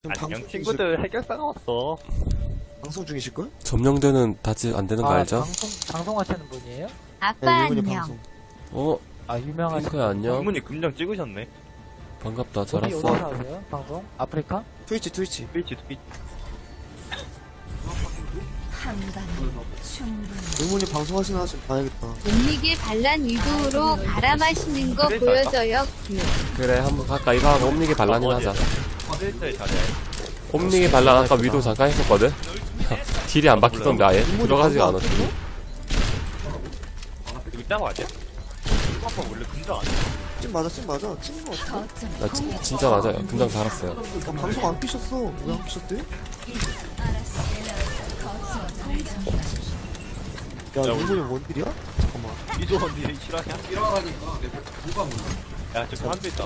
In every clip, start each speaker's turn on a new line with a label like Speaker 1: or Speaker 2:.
Speaker 1: 안녕 친구들 해결사가 왔어.
Speaker 2: 방송 중이실걸?
Speaker 3: 점령되는 다지 안 되는 거 알죠?
Speaker 4: 방송하시는 분이에요?
Speaker 5: 아빠
Speaker 2: 일본이
Speaker 5: 안녕.
Speaker 2: 방송.
Speaker 3: 어?
Speaker 4: 유명하신
Speaker 3: 핑크야 안녕?
Speaker 1: 이분이 금장 찍으셨네.
Speaker 3: 반갑다.
Speaker 4: 어디
Speaker 3: 잘
Speaker 4: 어디서
Speaker 3: 왔어.
Speaker 4: 하세요? 방송? 아프리카?
Speaker 2: 트위치.
Speaker 1: 트위치.
Speaker 2: 일본이 방송하시나 좀 봐야겠다.
Speaker 5: 옴닉의 반란 위도우로 갈아 마시는 거 보여줘요.
Speaker 3: 그래 한번 갈까? 이거 하고 옴닉의 반란이나 하자.
Speaker 1: 트위터에 잘해.
Speaker 3: 옴닉의 반란 아까 위도 잠깐 했었거든? 딜이 안 바뀌던데 아예? 들어가지가 않았어.
Speaker 1: 이거 짱 아니야? 아빠 원래 금장 아니야?
Speaker 2: 찐 맞아. 찐거 같아.
Speaker 3: 나 진짜 맞아요. 금장 달았어요.
Speaker 2: 방송 안 끼셨어. 왜 안 끼셨대? 야, 일본이 원딜이야? 잠깐만.
Speaker 1: 이조원 니 실화냐? 일어나니까 내가 누가 몰라. 야 저기 한대 있다.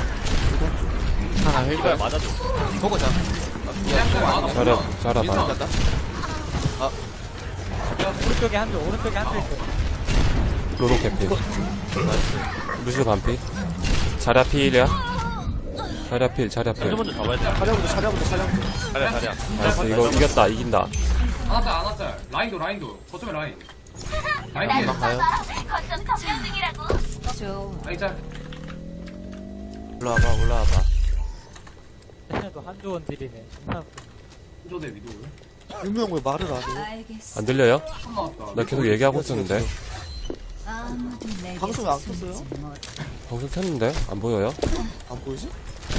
Speaker 3: 하나
Speaker 1: 이거야 맞아줘.
Speaker 3: 잘해봐.
Speaker 4: 오른쪽에 한쪽 있어요.
Speaker 3: 로로 캐피. 루시오 반피. 자랴 필이야. 자랴 필.
Speaker 1: 먼저 잡아야 돼.
Speaker 2: 차려부터.
Speaker 1: 자리야.
Speaker 3: 나이스. 이거 이겼다. 이긴다.
Speaker 6: 안 왔다. 라인도. 거점에 라인. 라인 피해.
Speaker 2: 가요?
Speaker 6: 라인 짤.
Speaker 3: 올라와봐.
Speaker 4: 도 한조원 딜이네.
Speaker 6: 조대 위도.
Speaker 2: 일무 형왜 말을 안 해?
Speaker 3: 안 들려요?
Speaker 6: 한 나왔다.
Speaker 3: 나 계속 얘기하고 있었는데.
Speaker 2: 방송에 안 켰어요?
Speaker 3: 방송 켰는데? 안 보여요?
Speaker 2: 안 보이지?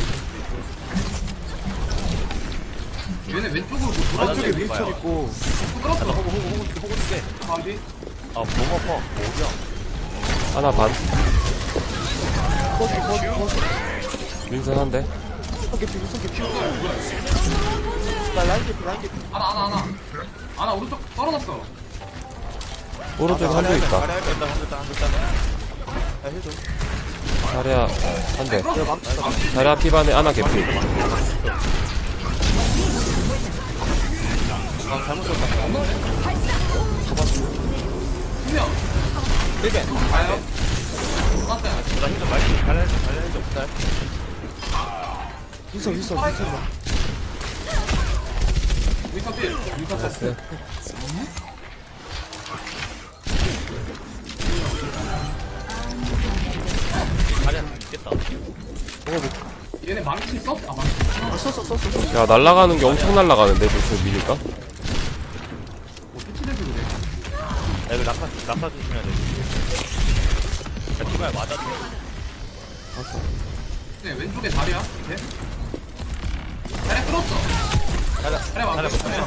Speaker 6: 얘네 왼쪽으로 뭐
Speaker 2: 왼쪽에 윈스턴 있고.
Speaker 6: 끌었어.
Speaker 1: 호구 줄게.
Speaker 6: 어디?
Speaker 1: 아, 몸 아파. 뭐야?
Speaker 3: 하나 반.
Speaker 2: 거기.
Speaker 3: 윈선 한 대.
Speaker 2: 윈스턴 개피. 나 라인 개피.
Speaker 6: 하나 오른쪽 떨어졌어.
Speaker 3: 오른쪽에 한대 있다.
Speaker 1: 한대
Speaker 2: 야, 해줘.
Speaker 3: 자랴 한 대.
Speaker 2: 내가 망치다.
Speaker 3: 자랴 피반에 하나 개피.
Speaker 6: 분명. 가요. 맞다.
Speaker 1: 나 힘들 많이 갈래야지 없다.
Speaker 2: 윈스턴.
Speaker 6: 위터 필. 위터
Speaker 3: 나이스.
Speaker 1: 자리야 있겠다.
Speaker 6: 얘네 망치 썼? 아 망치.
Speaker 2: 아, 썼어.
Speaker 3: 야 날라가는 게 엄청 날라가는데 무슨 미니까?
Speaker 6: 뭐 피치대도 그래.
Speaker 1: 야 이거 낙하 조심해야 돼. 야 티마야 맞아줘.
Speaker 6: 네 왼쪽에 다리야. 밑에. 다리 끌었어. 다리
Speaker 1: 자리야
Speaker 6: 맞았어.
Speaker 1: 못하냐?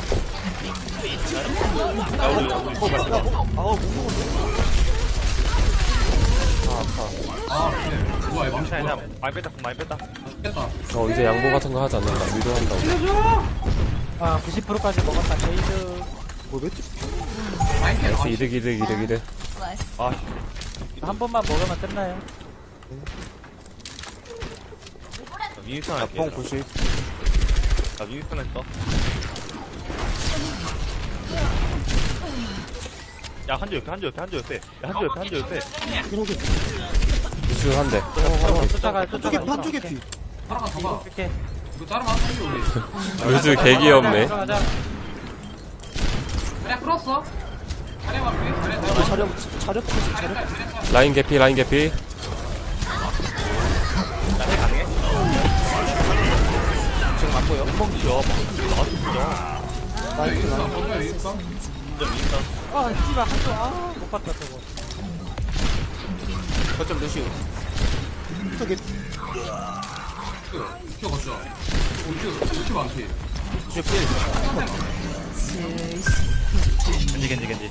Speaker 1: 야 우리
Speaker 2: 아우, 못 먹었네.
Speaker 6: 아 그래. 뭐야 이 망치
Speaker 1: 괜찮아.
Speaker 6: 뭐야.
Speaker 1: 많이 뺐다.
Speaker 6: 죽겠다.
Speaker 3: 이제 양보 같은 거 하지 않는다. 위로한다고.
Speaker 4: 아 90%까지 먹었다. 게이드.
Speaker 2: 뭐 매트?
Speaker 6: 라인 피해.
Speaker 3: 나이스. 이득.
Speaker 1: 아,
Speaker 4: 한 번만 먹으면 끝나요.
Speaker 1: 미니스턴 할게.
Speaker 2: 뻥 90.
Speaker 1: 나 미니스턴 했어. 야 한조 옆에. 야 한조 옆에.
Speaker 2: 이렇게.
Speaker 3: 루시오 한 대.
Speaker 4: 쫓아가.
Speaker 2: 한쪽 개피.
Speaker 6: 하나가 잡아.
Speaker 4: 이렇게.
Speaker 6: 이거 자르면 한 우리.
Speaker 3: 루시오 개 귀엽네.
Speaker 4: 들어가자.
Speaker 6: 다리 끌었어. 다리 맞지?
Speaker 2: 차려.
Speaker 3: 라인 개피.
Speaker 1: 나해 가능해? 지금 안 보여? 멍치야. 나왔어 진짜.
Speaker 2: 라인.
Speaker 6: 거점에 있어.
Speaker 1: 진짜 미니스턴.
Speaker 4: 아 씨발 한조 못 봤다 저거.
Speaker 2: 거점 루시오. 윈스턴 개피.
Speaker 6: 큐 거쳐. 큐 많지.
Speaker 1: 겐지.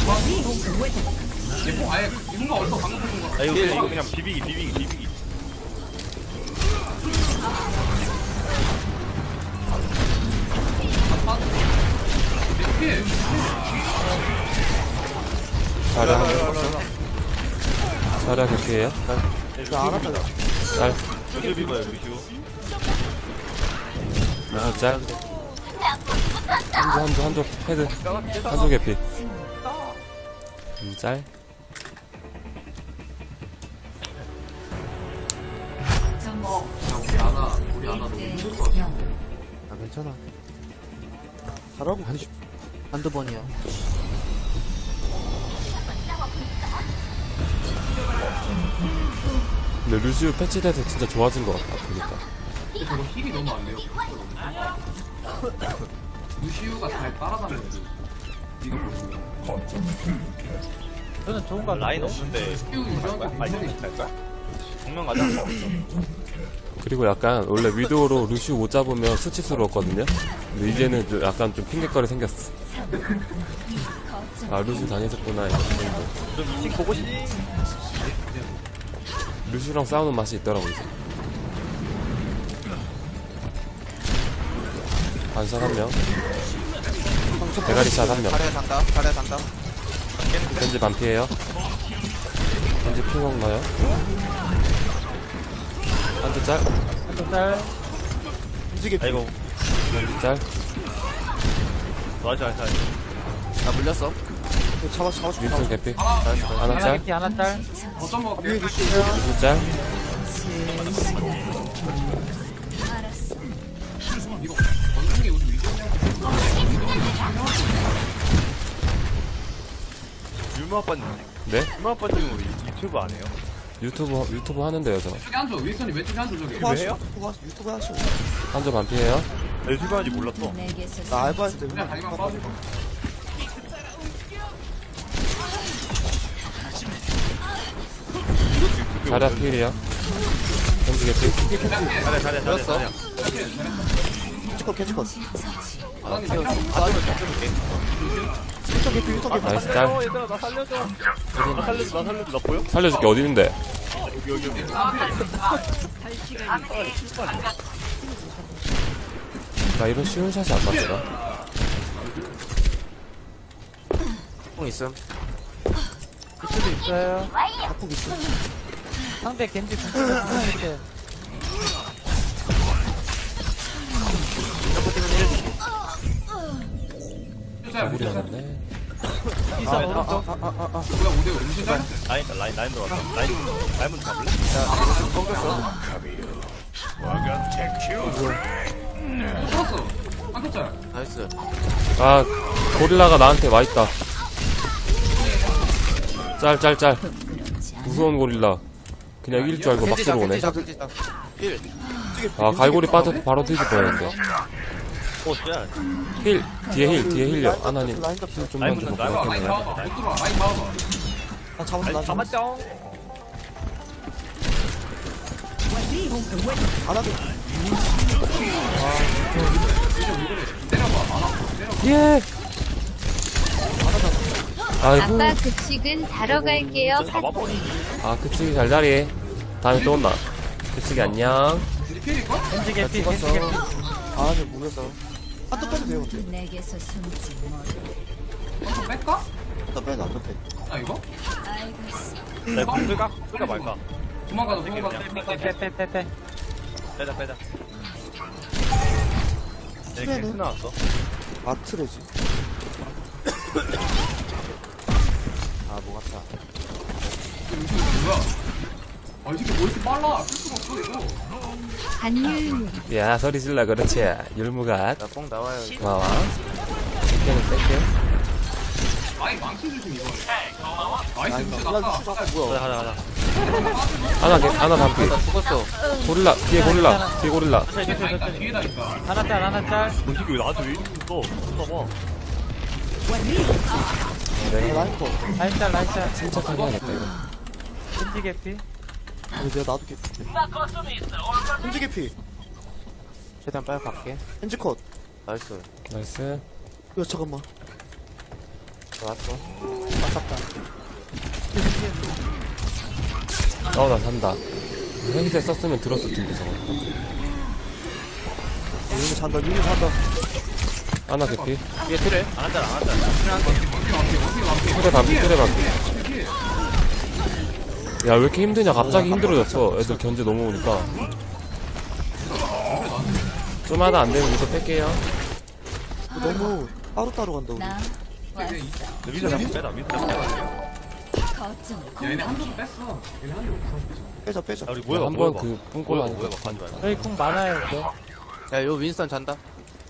Speaker 6: 얘뭐 아예 이분가 얼마 방금 보는 거야.
Speaker 1: 야 이거 그냥 비비기.
Speaker 6: 피해.
Speaker 3: 자랴 한 대. 자랴 개피에요?
Speaker 2: 나 알았다.
Speaker 3: 짤.
Speaker 1: 루시오 비봐요 루시오.
Speaker 3: 짤. 한조 헤드. 한조 개피. 짤.
Speaker 6: 우리 아나 너무 힘들 것 같아.
Speaker 2: 괜찮아. 잘하고 한두 번이야.
Speaker 3: 근데 루시우 패치돼서 진짜 좋아진 것 같다 보니까.
Speaker 6: 근데 저거 힐이 너무 안 돼요. 루시우가 잘 따라다녀요. 이거 보시면.
Speaker 4: 저는 좋은 거 같아요.
Speaker 1: 라인 없는데
Speaker 6: 루시우 유저한테
Speaker 1: 아니
Speaker 6: 굉장히
Speaker 1: 갈까? 정면 가자.
Speaker 3: 그리고 약간 원래 위도우로 루시우 못 잡으면 수치스러웠거든요. 근데 이제는 좀 약간 좀 핑계거리 생겼어. 아 루시우 다녔었구나 이런 정도.
Speaker 1: 좀 2층 보고 싶.
Speaker 3: 루시우랑 싸우는 맛이 있더라고 이제. 반샷 한 명, 대가리샷 한 명.
Speaker 2: 잘해 잔다. 잘해 잔다.
Speaker 3: 겐지 반피에요. 겐지 피 먹나요? 한대 짤,
Speaker 4: 한쪽 짤.
Speaker 2: 움직여.
Speaker 1: 아이고
Speaker 3: 겐지 짤.
Speaker 1: 맞아.
Speaker 2: 나 물렸어. 잡아.
Speaker 3: 윈슨 개피.
Speaker 6: 하나
Speaker 3: 하나
Speaker 4: 하나
Speaker 3: 짤,
Speaker 4: 개피, 하나 짤.
Speaker 6: 거점 먹을게요.
Speaker 2: 위에 루시.
Speaker 3: 윈슨 짤.
Speaker 6: 이거 원숭이 우리 위저냐고.
Speaker 1: 유머 아빠님.
Speaker 3: 네?
Speaker 1: 유머 아빠님 우리 유튜브 안 해요?
Speaker 3: 유튜브 하는데요 저.
Speaker 6: 왼쪽에 한조 윌슨이 왼쪽에 한조 저기.
Speaker 1: 왜 해요?
Speaker 2: 유튜브 하시오.
Speaker 3: 한조 반피에요.
Speaker 1: 유튜브 하는지 몰랐어.
Speaker 2: 나 알바할 때
Speaker 6: 그냥 다리만 빠지고.
Speaker 3: 자리아 필이요. 겐지 개피.
Speaker 1: 잘해.
Speaker 2: 캐치컷.
Speaker 6: 아니 내가
Speaker 2: 유튜브 개피.
Speaker 3: 나이스 짤.
Speaker 1: 얘들아 나 살려줘. 나 살려줘. 나 보여?
Speaker 3: 살려줄게 어디 있는데?
Speaker 1: 여기.
Speaker 3: 나 이런 쉬운 샷이 안 맞더라.
Speaker 2: 뽕 있음.
Speaker 4: 그쪽도 있어요.
Speaker 2: 바꾸고 있어.
Speaker 4: 상대 겐지 궁금해. 이렇게.
Speaker 3: 우리 하는데.
Speaker 4: 있어, 오른쪽.
Speaker 6: 뭐야 5대5 음식 잘.
Speaker 1: 라인 들어왔다. 라인 먼저 잡을래?
Speaker 6: 풀었어. 한조 짤.
Speaker 2: 나이스.
Speaker 3: 아 고릴라가 나한테 와있다. 짤. 무서운 고릴라. 그냥 이길 줄 알고 막 들어오네. 아 갈고리 빠져서 바로 뒤질 뻔했는데.
Speaker 1: 오 진짜.
Speaker 3: 힐 뒤에 힐요. 아나님 힐 좀만 좀
Speaker 1: 라인
Speaker 3: 먹고
Speaker 6: 라인
Speaker 3: 할게요.
Speaker 6: 잡아봐. 못 들어와. 라인 잡아봐.
Speaker 2: 나 잡았어. 나 잡았어.
Speaker 1: 잡았죠.
Speaker 2: 안 하게.
Speaker 3: 예. 아이고.
Speaker 5: 아빠 급식은 다러 갈게요.
Speaker 1: 잡아버리.
Speaker 3: 아 그치기 잘자리. 다음에 또 온다. 그치기 안녕.
Speaker 6: 이제 필일걸?
Speaker 4: 겐지 개피, 겐지 개피.
Speaker 2: 아, 네, 모르겠어. 한또 빼도 돼요, 근데.
Speaker 5: 내게서 숨지 못.
Speaker 6: 한조 뺄까?
Speaker 2: 한또 빼도 안 돼.
Speaker 6: 아 이거?
Speaker 1: 나 끌까 말까?
Speaker 6: 도망가자.
Speaker 4: 빼.
Speaker 1: 빼자. 네,
Speaker 2: 빼네.
Speaker 1: 캔스 나왔어.
Speaker 2: 아트레지. 아, 뭐 같다.
Speaker 6: 뭐야? 아, 이 새끼 뭐 이렇게 빨라? 쓸 수가 없어, 이거.
Speaker 5: 간유.
Speaker 3: 야 소리 질러 그렇지. 율무갓.
Speaker 2: 나뽕 나와요.
Speaker 3: 고마워. 뺄게.
Speaker 6: 아이, 망치 조심, 이거. 나이스,
Speaker 2: 아니,
Speaker 6: 루시
Speaker 2: 나
Speaker 6: 났다.
Speaker 2: 루시가 뭐야.
Speaker 1: 가자.
Speaker 3: 하나 반피.
Speaker 2: 죽었어.
Speaker 3: 고릴라 뒤에 고릴라.
Speaker 6: 뒤에다, 뒤에다니까.
Speaker 4: 하나 짤.
Speaker 1: 뭐 이게 왜 나한테 왜 이러고 있어? 봐봐.
Speaker 2: 라인코.
Speaker 4: 라인 짤.
Speaker 3: 침착하게 해야겠다 이거.
Speaker 4: 겐지 개피.
Speaker 2: 아니, 내가 나도 개피. 현지 개피.
Speaker 7: 최대한 빨리 갈게.
Speaker 2: 현지 컷.
Speaker 7: 나이스.
Speaker 3: 나이스.
Speaker 2: 야, 잠깐만.
Speaker 7: 좋았어.
Speaker 3: 나 산다. 헬기대 썼으면 들었을 텐데 저거.
Speaker 2: 유미 잔다.
Speaker 3: 하나 개피.
Speaker 1: 뒤에 틀을 안 한다.
Speaker 3: 트레 반피. 야 왜 이렇게 힘드냐? 갑자기 힘들어졌어. 애들 견제 너무 오니까. 좀 하다 안 되면 이거 뺄게요.
Speaker 2: 너무 따로따로 간다, 우리.
Speaker 5: 나 왔어.
Speaker 1: 민서 잡고 빼다.
Speaker 5: 거점.
Speaker 6: 야, 얘네 한조 뺐어. 얘네 한조
Speaker 2: 빼자.
Speaker 1: 야, 우리 뭐야?
Speaker 3: 한번 그 뿜골 하니까.
Speaker 1: 가지 마.
Speaker 4: 저희 궁 많아요, 이거.
Speaker 7: 야, 요 윈스턴 잔다.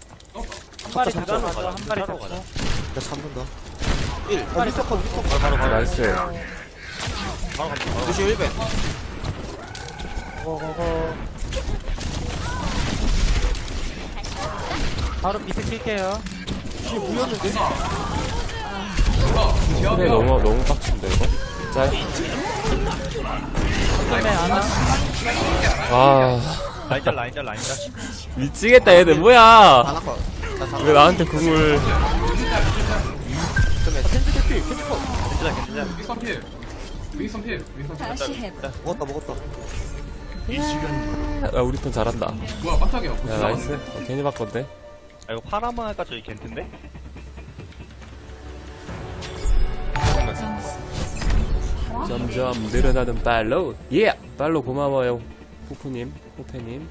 Speaker 4: 마리
Speaker 2: 잡자,
Speaker 4: 잡고
Speaker 1: 잡자.
Speaker 4: 한 마리
Speaker 1: 잡자.
Speaker 4: 잡고.
Speaker 2: 나 잡는다 1 아 미스터 컷 미스터 컷
Speaker 1: 바로
Speaker 3: 나이스.
Speaker 1: 바로 갑니다. 바로
Speaker 7: 루시 1벤.
Speaker 4: 고고고. 바로 비트 킬게요.
Speaker 2: 뒤에 물렸는데?
Speaker 3: 그래 너무 빡친데 이거. 짤.
Speaker 4: 처음에 안아.
Speaker 3: 아
Speaker 1: 라인짤 라인짤 라인짤.
Speaker 3: 미치겠다 얘들 뭐야?
Speaker 2: 안 아까 나 잡아
Speaker 3: 왜 나한테 궁을?
Speaker 2: 캔디 캐피 캔디 컷
Speaker 1: 괜찮아 괜찮아.
Speaker 6: 윈선 필. 윈선 필. 윈선 필.
Speaker 2: 먹었다
Speaker 3: 아 우리 편 잘한다.
Speaker 6: 뭐야 깜짝이야.
Speaker 3: 야 나이스. 괜히 바꿨네.
Speaker 1: 아 이거 파라만 할까 저기 겐트인데?
Speaker 3: 점점 늘어나는 팔로우. 예. 팔로우 고마워요. 후프님, 후페님.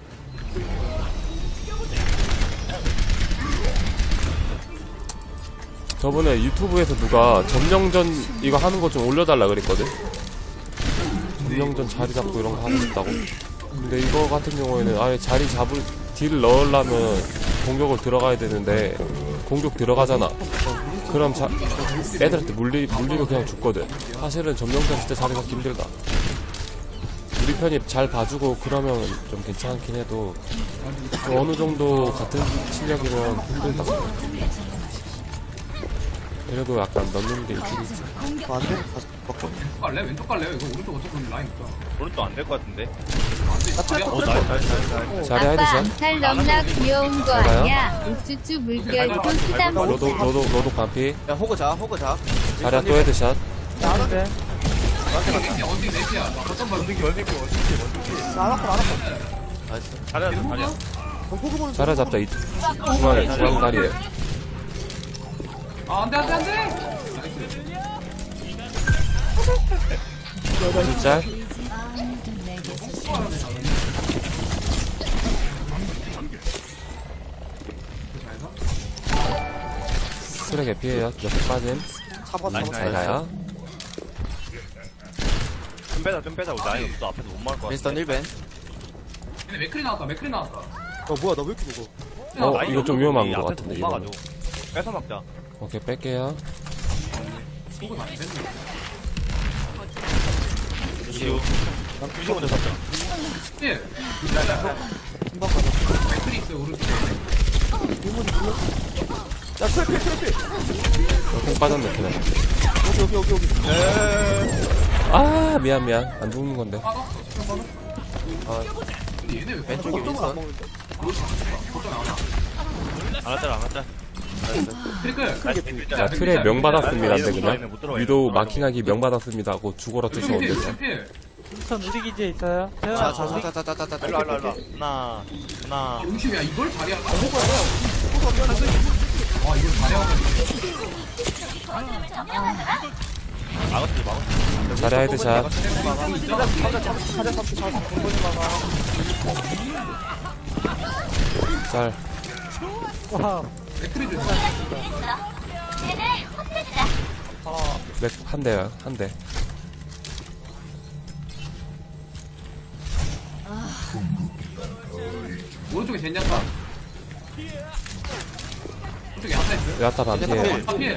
Speaker 3: 저번에 유튜브에서 누가 점령전 이거 하는 거 좀 올려달라 그랬거든. 점령전 자리 잡고 이런 거 하고 싶다고. 근데 이거 같은 경우에는 아예 자리 잡을 딜을 넣으려면 공격을 들어가야 되는데 공격 들어가잖아. 그럼 애들한테 물리면 그냥 죽거든. 사실은 점령전 진짜 자리 잡기 힘들다. 우리 편이 잘 봐주고 그러면 좀 괜찮긴 해도 어느 정도 같은 실력이면 힘들다. 그래도 약간 넣는 게 있긴 있지.
Speaker 2: 안돼? 먹고
Speaker 6: 왼쪽 갈래? 왼쪽 갈래요? 이거 오른쪽 어차피 라인 있다.
Speaker 1: 오른쪽 안 될 것 같은데?
Speaker 2: 나 트래커
Speaker 1: 어
Speaker 2: 트래커
Speaker 1: 나이스 나이스 나이스.
Speaker 3: 자리
Speaker 5: 아빠
Speaker 3: 헤드샷.
Speaker 5: 암살 넘나 귀여운 거
Speaker 3: 잘가요?
Speaker 5: 아니야? 우쭈쭈 물결도 쓰다 못
Speaker 3: 너도 반피.
Speaker 7: 야 호그 자.
Speaker 3: 자리야 또 헤드샷.
Speaker 4: 나는데.
Speaker 6: 언딩 넷이야. 나 어떤 발
Speaker 2: 나 안 아까
Speaker 7: 나이스.
Speaker 1: 잘해야 돼 잘해야.
Speaker 2: 호그 보는
Speaker 3: 자리 잡자. 중앙에 중앙 다리에.
Speaker 6: 아 안돼. 나이스.
Speaker 3: 짤. 쓰레기 피해요. 옆에 빠짐.
Speaker 2: 잡아
Speaker 3: 잘 가요.
Speaker 1: 좀 빼자. 우리 라인 없어. 앞에서 못 막을 것 같아.
Speaker 7: 윈스턴 1벤.
Speaker 6: 근데 맥크리 나왔다.
Speaker 2: 어 뭐야 나 왜 이렇게 먹어
Speaker 3: 어, 이거 좀 위험한 것
Speaker 1: 앞에서
Speaker 3: 같은데,
Speaker 1: 못
Speaker 3: 이거는.
Speaker 1: 막아줘. 뺏어 막자.
Speaker 3: 오케이, 뺄게요.
Speaker 6: 호그 다시 됐네.
Speaker 1: 루시오. 루시 먼저 잡자.
Speaker 6: 필. 맥크리 있어 오른쪽.
Speaker 2: 야 트래피
Speaker 3: 공 빠졌네, 그냥.
Speaker 2: 여기
Speaker 3: 아, 미안. 안 죽는 건데.
Speaker 6: 근데 얘네 왜
Speaker 7: 왼쪽에
Speaker 2: 어떤 건안
Speaker 7: 윈스턴.
Speaker 2: 먹는데
Speaker 1: 안 왔잖아.
Speaker 6: 트리클.
Speaker 3: 자, 틀에 명받았습니다인데, 그냥. 위도우 마킹하기 명받았습니다 하고 죽어라 쫓아 온댔어.
Speaker 6: 필.
Speaker 4: 우선 우리 기지에 있어요. 태어나 우리
Speaker 7: 자자자자자자자.
Speaker 1: 일로 하나.
Speaker 6: 용심이야 이걸 잘해야. 와 이걸 잘해야.
Speaker 1: 막았지.
Speaker 3: 자리 헤드샷. 짤.
Speaker 4: 와.
Speaker 6: 맥크리도
Speaker 3: 렉, 한 대야, 한 대.
Speaker 6: 오른쪽에 젠야타. 오른쪽에 야타 있어.
Speaker 3: 야타 반피에.
Speaker 6: 필.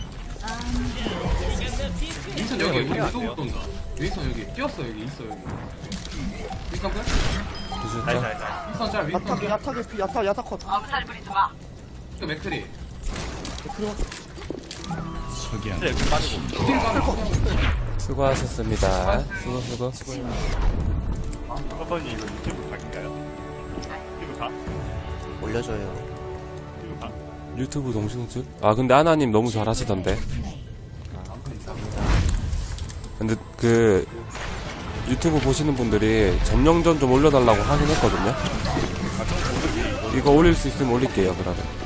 Speaker 6: 윈선 여기 위도 돈다. 윈선 여기 뛰었어 여기 있어 여기. 윈선 끝?
Speaker 3: 두줄짤.
Speaker 6: 윈선 짤 윈선 끝.
Speaker 2: 야타 컷
Speaker 6: 또 맥크리.
Speaker 1: 그래 빠지고.
Speaker 6: 딜 까고.
Speaker 3: 수고하셨습니다. 수고.
Speaker 1: 서버니 이거 유튜브 각인가요? 유튜브 가?
Speaker 7: 올려줘요.
Speaker 1: 유튜브 가?
Speaker 3: 유튜브 동승줄? 아, 근데 하나님 너무 잘하시던데. 근데 그 유튜브 보시는 분들이 점령전 좀 올려달라고 하긴 했거든요. 이거 올릴 수 있으면 올릴게요. 그러면.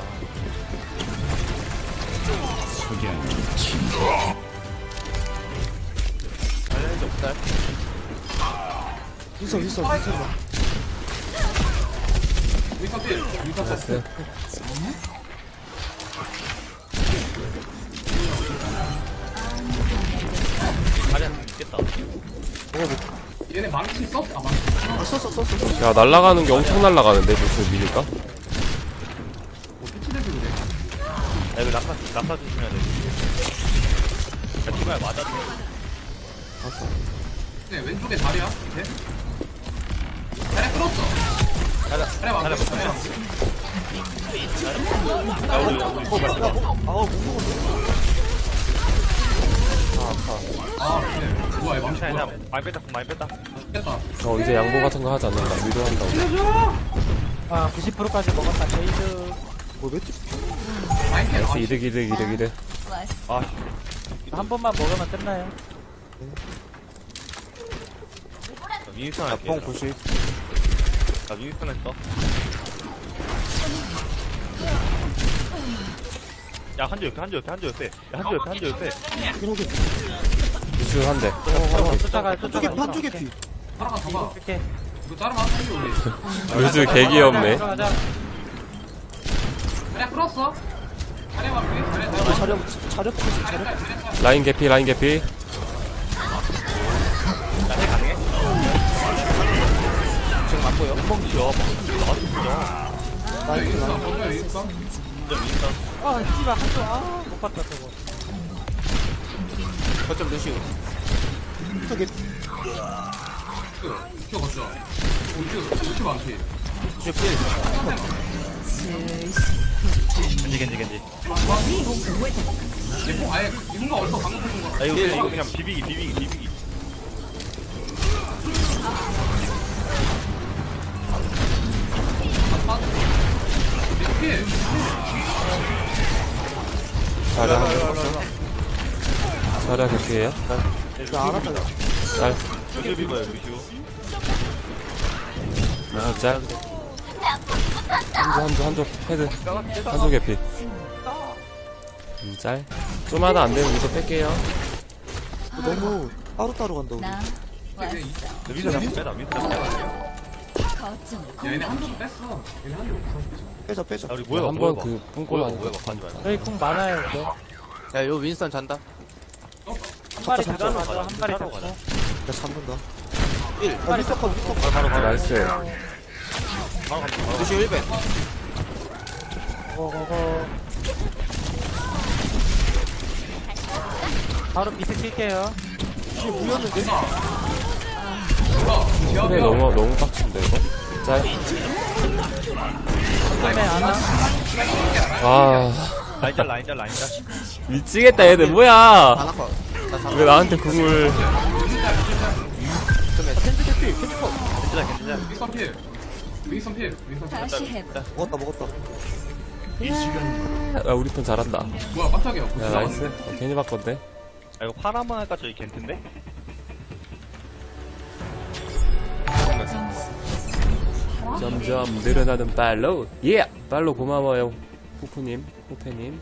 Speaker 2: 윈선
Speaker 6: 윈선 필. 윈선 짤.
Speaker 3: 됐어요.
Speaker 1: 자리한테 있겠다.
Speaker 6: 얘네 망치 썼? 아 망치.
Speaker 2: 썼어
Speaker 3: 야, 날아가는 게 엄청 날아가는데 무슨 미니까?
Speaker 1: 여기 낙하 조심해야 돼. 야, 티바야 맞았네.
Speaker 6: 네, 왼쪽에 다리야. 밑에. 다리 끌었어. 다리 막혀. 아, 그래. 뭐야, 이 망치
Speaker 1: 괜찮아,
Speaker 6: 뭐야.
Speaker 1: 많이 뺐다, 많이 뺐다.
Speaker 6: 죽겠다.
Speaker 3: 이제 양보 같은 거 하지 않는다. 위도 한다고.
Speaker 4: 아 90%까지 먹었다 제이드.
Speaker 7: 뭐 몇 개?
Speaker 6: 마인캔.
Speaker 3: 나이스, 이득.
Speaker 1: 아,
Speaker 4: 한 번만 먹으면 끝나요.
Speaker 1: 윈스턴 할게.
Speaker 7: 뽕 90.
Speaker 1: 나 윈스턴 했어. 야, 한조 옆에. 야, 한조 옆에.
Speaker 3: 유수 한 대.
Speaker 4: 쫓아가요.
Speaker 7: 한쪽에 피.
Speaker 6: 하나가 잡아.
Speaker 4: 이렇게
Speaker 6: 이거 자르면 한 살이 올리.
Speaker 3: 유수 개 귀엽네.
Speaker 4: 들어가자.
Speaker 6: 다리 끌었어. 다리 막혀. 다리
Speaker 7: 차려 푸시 차려.
Speaker 3: 라인 개피.
Speaker 7: 지금 맞고요.
Speaker 6: 여기 있어. 여기 있어.
Speaker 4: 아 씨발 한쪽 아못 봤다 저거.
Speaker 7: 거점 루시우. 저기
Speaker 6: 키워 걷자. 오, 키워 많지.
Speaker 7: 루시우 필.
Speaker 1: 겐지.
Speaker 6: 얘 아예 이분가 어디서 방금 보는 거야.
Speaker 1: 아, 이거 그냥 비비기.
Speaker 6: 이렇게
Speaker 3: 자리야 한 대. 자리야 개피에요.
Speaker 7: 나 알았다.
Speaker 3: 짤.
Speaker 1: 루시오 비버야, 루시오.
Speaker 3: 짤. 한조 헤드. 한조 개피. 짤. 좀 하나 안 되면 이거 뺄게요.
Speaker 7: 너무 따로따로 간다 우리.
Speaker 1: 윈스턴 잡고 빼라.
Speaker 6: 얘네 한쪽 뺐어. 얘네 한쪽 없어.
Speaker 7: 빼자.
Speaker 1: 야, 우리 모여봐.
Speaker 3: 한번 그 뿜골 하니까.
Speaker 1: 모여봐. 가지 말자.
Speaker 4: 저희 궁 많아요 이제.
Speaker 7: 야, 요 윈스턴 잔다.
Speaker 4: 한 마리
Speaker 7: 잡자,
Speaker 4: 잡자마자 한 마리
Speaker 1: 잡자로
Speaker 4: 잡고.
Speaker 1: 가자.
Speaker 7: 야, 잡는다. 1. 야, 미스터 컷.
Speaker 1: 바로.
Speaker 3: 나이스.
Speaker 1: 바로 갑니다.
Speaker 7: 루시우 1배.
Speaker 4: 고고고. 바로 비트 킬게요.
Speaker 7: 루시우 무였는데?
Speaker 3: 그래 너무 빡친데 이거. 짤.
Speaker 4: 때문에 안 와.
Speaker 3: 아
Speaker 1: 라인짤.
Speaker 3: 미치겠다 얘들 뭐야?
Speaker 7: 안 아파. 나 잡아.
Speaker 3: 왜 나한테 궁을?
Speaker 1: 괜찮아.
Speaker 6: 윈선 필.
Speaker 7: 먹었다.
Speaker 3: 아 우리 편 잘한다.
Speaker 6: 뭐야 깜짝이야.
Speaker 3: 야 나이스. 괜히 바꿨네.
Speaker 1: 아, 이거 파라만 할까? 저기 겐트인데?
Speaker 3: 점점 늘어나는 팔로우. 예. 팔로우 고마워요. 후프님, 후페님.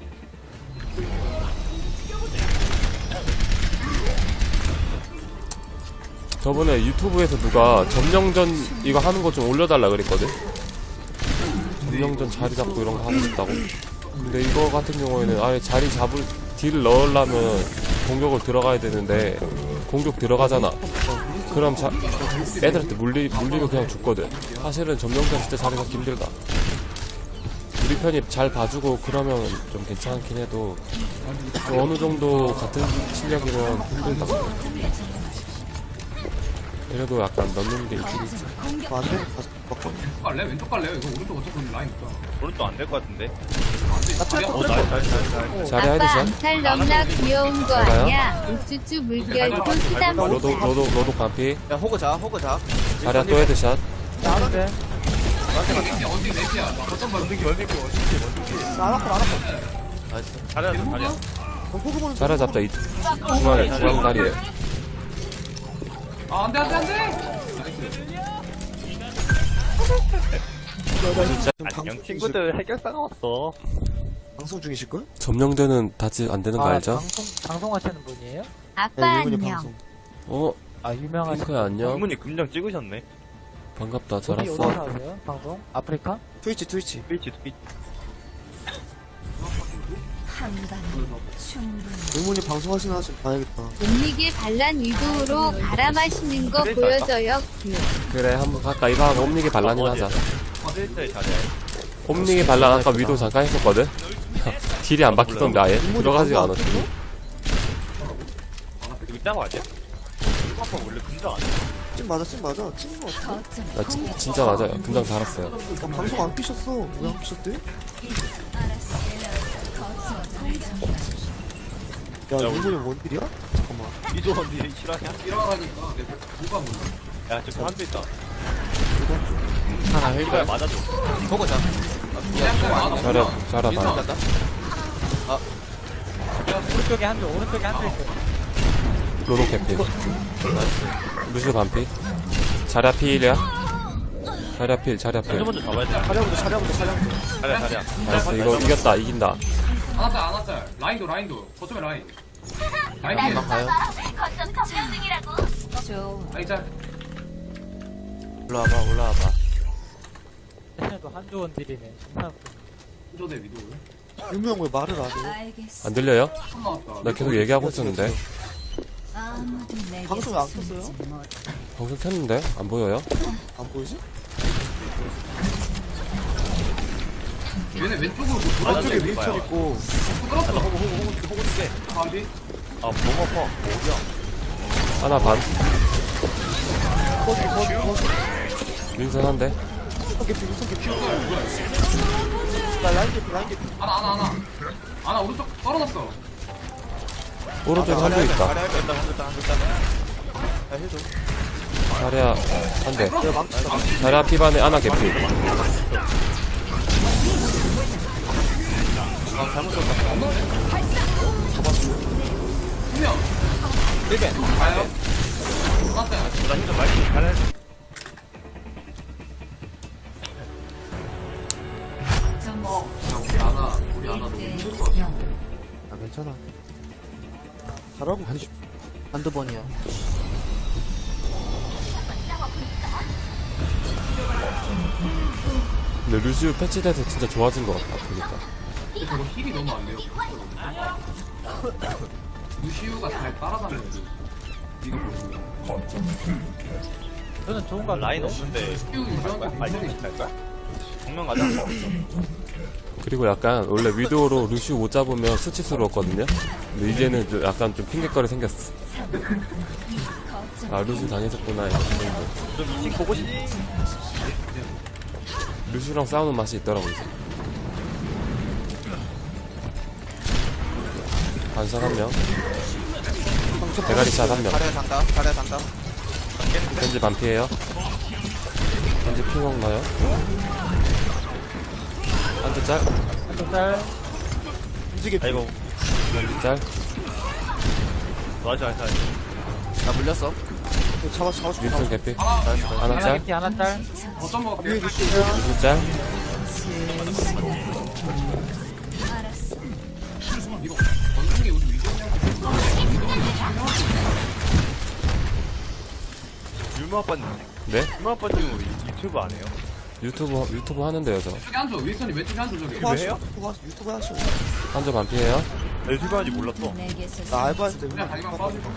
Speaker 3: 저번에 유튜브에서 누가 점령전 이거 하는 거 좀 올려달라 그랬거든. 점령전 자리 잡고 이런 거 하고 싶다고. 근데 이거 같은 경우에는 아예 자리 잡을 딜을 넣으려면 공격을 들어가야 되는데 공격 들어가잖아. 그럼 애들한테 물리면 그냥 죽거든. 사실은 점령전 진짜 자리 잡기 힘들다. 우리 편이 잘 봐주고 그러면 좀 괜찮긴 해도 어느 정도 같은 실력이면 힘들다. 그래도 약간 넣는 게 있긴 있지.
Speaker 7: 안 돼? 가서 먹고.
Speaker 6: 갈래? 왼쪽 갈래요? 이거 오른쪽 어차피 라인 있다.
Speaker 1: 오른쪽 안 될 것 같은데?
Speaker 3: 자리
Speaker 5: 아빠
Speaker 3: 하이드샷.
Speaker 5: 암살 넘나 귀여운 거
Speaker 3: 잘가요?
Speaker 5: 아니야? 우쭈쭈 물결도 수담
Speaker 3: 너도 반피.
Speaker 7: 야, 호그 자.
Speaker 3: 자리야 또 헤드샷.
Speaker 4: 나는데
Speaker 6: 언딩 넷이야. 나 거점 봐.
Speaker 7: 나 알았어. 나이스.
Speaker 1: 자리야.
Speaker 7: 호그 보는
Speaker 3: 자리 잡자. 중앙 다리에.
Speaker 6: 아 안돼.
Speaker 1: 안녕, 친구들. 해결사가 왔어.
Speaker 7: 방송 중이실 걸?
Speaker 3: 점령전은 다치 안 되는 거 알죠?
Speaker 4: 방송하시는 분이에요?
Speaker 5: 아빠
Speaker 7: 일본이
Speaker 5: 안녕.
Speaker 7: 방송.
Speaker 3: 어?
Speaker 4: 아 유명하신
Speaker 3: 핑크야 안녕.
Speaker 1: 이분이 금장 찍으셨네.
Speaker 3: 반갑다.
Speaker 4: 어디
Speaker 3: 잘
Speaker 4: 어디서
Speaker 3: 왔어.
Speaker 4: 하세요? 방송? 아프리카?
Speaker 7: 트위치.
Speaker 1: 트위치.
Speaker 7: 의문이 방송하시나 좀 봐야겠다.
Speaker 5: 옴닉의 반란 위도우로 갈아 마시는 거 보여줘요.
Speaker 3: 그래 한번 갈까? 이거 하고 옴닉의 반란이나 하자.
Speaker 1: 트위치에 자리야.
Speaker 3: 옴닉의 반란 아까 위도 잠깐 했었거든? 딜이 안 바뀌던데 아예 들어가지가 않았지.
Speaker 1: 이거 짱 아니야? 아빠 원래 금장 아니야?
Speaker 7: 찐 맞아 찐 맞아 찐인 거 같아.
Speaker 3: 나 진짜 맞아요. 금방 달았어요.
Speaker 7: 방송 안 끼셨어. 왜 안 끼셨대? 야 일본이 원딜이야? 잠깐만.
Speaker 1: 이조원 니 실화냐?
Speaker 6: 일어나니까 내 뭐가 뭔데?
Speaker 1: 야 저기 한대 있다.
Speaker 2: 하나
Speaker 1: 이거야 맞아줘.
Speaker 2: 보고 자.
Speaker 3: 잘해 봐.
Speaker 2: 간다.
Speaker 4: 오른쪽에 한조 오른쪽에 한조 있어.
Speaker 3: 로로 캐피. 루슈 반피. 자랴 필이야. 자랴 필.
Speaker 1: 먼저 먼저 잡아야 돼.
Speaker 7: 차량부터 차량부터
Speaker 1: 자리야 자리야.
Speaker 3: 나이스. 이거 이겼다. 이긴다.
Speaker 6: 안왔짤 라인도 거점에 라인 라인
Speaker 2: 가요.
Speaker 6: 라인 짤
Speaker 2: 올라와봐.
Speaker 4: 쟤네도 한조 원딜이네. 존나 웃겨.
Speaker 6: 조대 위도
Speaker 7: 유무 형왜 말을 안 해?
Speaker 3: 안 들려요?
Speaker 6: 처음 나왔다
Speaker 3: 나 계속 얘기하고 있었는데.
Speaker 7: 방송에 안 켰어요?
Speaker 3: 방송 켰는데 안 보여요?
Speaker 7: 안 보이지?
Speaker 6: 얘네 왼쪽으로 뭐 돌아
Speaker 7: 왼쪽에 윈스턴 있고
Speaker 6: 끌었어
Speaker 1: 호구 줄게.
Speaker 6: 반비
Speaker 1: 아 너무 아파. 어디야?
Speaker 3: 하나 반.
Speaker 7: 거기
Speaker 3: 윈선 한대.
Speaker 7: 윈스턴 개피 윈스턴 개피. 나 라인 개피 라인 개피.
Speaker 6: 하나 오른쪽 떨어졌어
Speaker 3: 오른쪽에 한대 있다.
Speaker 7: 야 해줘.
Speaker 3: 자랴 한대.
Speaker 7: 내가 망치다.
Speaker 3: 자랴 피반에 하나 개피.
Speaker 6: 분명 1벤 가요 맞다
Speaker 1: 나 힘좀 많이 잘해.
Speaker 6: 우리 하나 너무 힘들 것 같아
Speaker 7: 아 괜찮아. 잘하고 가지.
Speaker 2: 한두 번이야.
Speaker 3: 근데 루시우 패치돼서 진짜 좋아진 것 같다. 보니까.
Speaker 6: 근데 저거 힐이 너무 안 돼요 루시우가 잘 따라다녀야 돼 이거 보시면
Speaker 4: 저는 좋은 거
Speaker 1: 라인
Speaker 4: 같은데.
Speaker 1: 없는데.
Speaker 6: 루시우 유명한 거
Speaker 1: 아니
Speaker 6: 굉장히
Speaker 1: 갈 거야? 정면 가자.
Speaker 3: 그리고 약간 원래 위도우로 루시우 못 잡으면 수치스러웠거든요. 근데 이제는 좀 약간 좀 핑계거리 생겼어. 아 루시우 당했었구나. 이런 생각.
Speaker 1: 좀 2층 보고 싶지?
Speaker 3: 루시우랑 싸우는 맛이 있더라고 이제. 반선 한 명. 대가리샷 한 명.
Speaker 2: 자리에 잔다.
Speaker 3: 겐지 반피에요. 겐지 핑옥 나요. 한대 짤.
Speaker 4: 한조 짤.
Speaker 7: 움직여.
Speaker 1: 아이고
Speaker 3: 겐지 짤.
Speaker 1: 맞아.
Speaker 2: 나 물렸어.
Speaker 7: 잡아.
Speaker 3: 윈슨 개피.
Speaker 6: 하나
Speaker 3: 하나
Speaker 4: 하나
Speaker 3: 짤.
Speaker 4: 개피 하나 짤.
Speaker 6: 거점 먹을게
Speaker 7: 위에 루시.
Speaker 3: 루시 짤.
Speaker 6: 이거 원숭이 우리 위도우냐고
Speaker 1: 유머 아빠님.
Speaker 3: 네?
Speaker 1: 유머 아빠님 우리 유튜브 안 해요?
Speaker 3: 유튜브 하는데요 저.
Speaker 6: 왼쪽에 한조 윌슨이 왼쪽에 한조 저기
Speaker 1: 왜 해요?
Speaker 7: 유튜브 하셔.
Speaker 3: 한점 반피에요.
Speaker 1: 나 유튜브 하는지 몰랐어.
Speaker 7: 나 알바했을 때
Speaker 6: 그냥 다리만 빠지고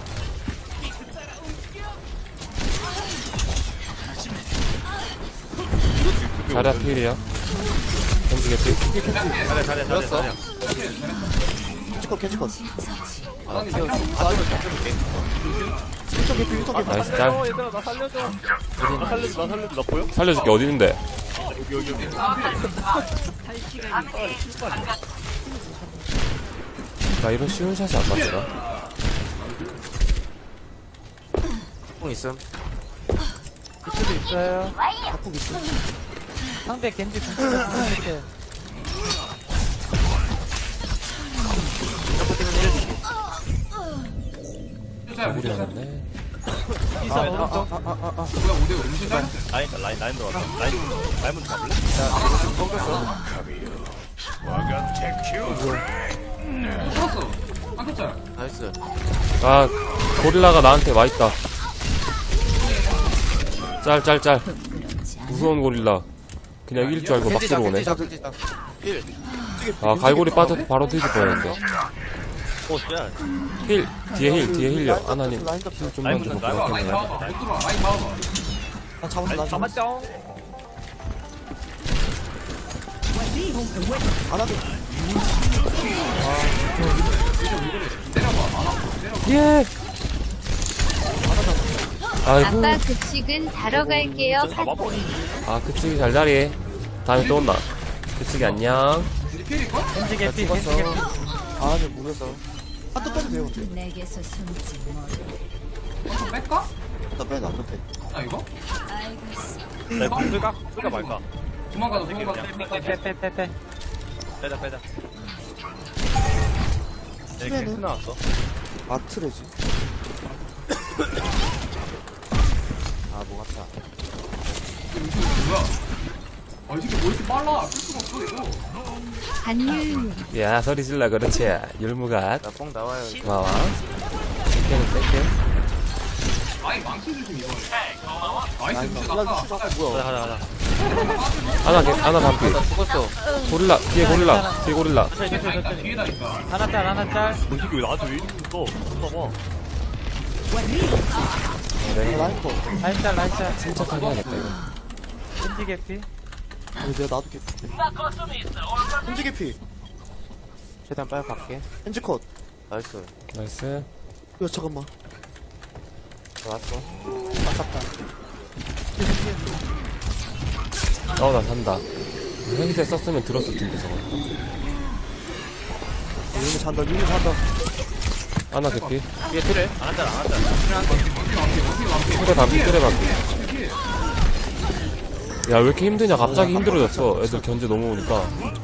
Speaker 3: 자랴 필이요. 겐지 개피.
Speaker 1: 잘해.
Speaker 7: 캐치컷.
Speaker 6: 아니
Speaker 7: 윈스턴 개피 윈스턴 개피.
Speaker 3: 나이스 짤.
Speaker 1: 얘들아 나 살려줘. 나 보여?
Speaker 3: 살려줄게 어디 있는데?
Speaker 1: 여기.
Speaker 3: 나 이런 쉬운 샷이 안 맞더라.
Speaker 2: 뽕 있음.
Speaker 4: 그쪽도 있어요.
Speaker 7: 바꾸고 있어.
Speaker 4: 상대 겐지 궁금해. 이렇게.
Speaker 3: 우리 하는데.
Speaker 4: 이사 오른쪽.
Speaker 6: 뭐야 5대5 음식 짤
Speaker 1: 라인 들어왔다. 라인 먼저 잡을래?
Speaker 6: 풀었어 한조 짤
Speaker 2: 나이스.
Speaker 3: 아 고릴라가 나한테 와 있다. 짤. 무서운 고릴라. 그냥 이길 줄 알고 막 들어오네.
Speaker 2: 힐.
Speaker 3: 아 갈고리 빠져서 바로 뒤질 뻔했어.
Speaker 1: 야.
Speaker 3: 힐 뒤에 힐요. 하나님
Speaker 7: 라인 잡.
Speaker 3: 힐 좀만 주고
Speaker 6: 라인
Speaker 3: 고맙겠네.
Speaker 6: 잡아봐 못 들어와 라인 잡아봐
Speaker 7: 나 잡았어 나 잡았어.
Speaker 1: 잡았죠.
Speaker 7: 안 하게.
Speaker 3: 예. 아이고.
Speaker 5: 아빠 급식은 자러 갈게요.
Speaker 1: 잡아버리.
Speaker 3: 아, 그치기 잘 자리. 다음에 또 온다. 그치기 안녕.
Speaker 6: 이제 필일걸?
Speaker 4: 겐지 개피
Speaker 7: 죽었어.
Speaker 4: 겐지 개피.
Speaker 7: 아, 근데 모르겠어. 한턱 빼도 돼요, 근데.
Speaker 5: 내게서 숨지 못.
Speaker 6: 한번 뺄까?
Speaker 7: 나 빼, 나 빼.
Speaker 6: 아 이거?
Speaker 1: 나 이거 끌까 말까?
Speaker 6: 도망가자 도망가자
Speaker 4: 빼빼빼빼.
Speaker 1: 빼자. 내
Speaker 7: 그래도.
Speaker 1: 갱스 나왔어.
Speaker 7: 마트래지. 아, 뭐 같다.
Speaker 6: 뭐야 이 새끼 뭐 이렇게 빨라 쓸 수가 없어 이거
Speaker 5: 간유.
Speaker 3: 야, 소리 질러, 그렇지. 율무갓.
Speaker 1: 나뽕 나와요.
Speaker 3: 고마워. 뺄게.
Speaker 6: 아이 망치 조심 이거 나이스
Speaker 7: 야,
Speaker 6: 루시
Speaker 7: 이거.
Speaker 6: 낙하
Speaker 7: 야,
Speaker 6: 아,
Speaker 7: 뭐야.
Speaker 1: 가자.
Speaker 3: 하나 반피.
Speaker 1: 죽었어.
Speaker 3: 고릴라, 뒤에 고릴라.
Speaker 6: 뒤에다니까 뒤에다니까
Speaker 4: 하나 짤.
Speaker 1: 이 새끼 왜 나한테 왜 이러고 있어? 봐봐.
Speaker 7: 라인 거.
Speaker 4: 라인 짤.
Speaker 3: 침착하게 해야겠다, 이거.
Speaker 4: 겐지 개피.
Speaker 7: 근데 나도 개피. 현지 개피.
Speaker 1: 최대한 빨리 갈게.
Speaker 7: 현지 컷.
Speaker 1: 나이스.
Speaker 3: 나이스.
Speaker 7: 야, 잠깐만.
Speaker 1: 좋았어.
Speaker 3: 나 산다. 헬기대 썼으면 들었을 텐데, 저거.
Speaker 7: 유미 잔다.
Speaker 3: 하나 개피.
Speaker 1: 뒤에 틀을 안 한다.
Speaker 3: 그래 반피. 야, 왜 이렇게 힘드냐? 갑자기 힘들어졌어. 애들 견제 너무 오니까.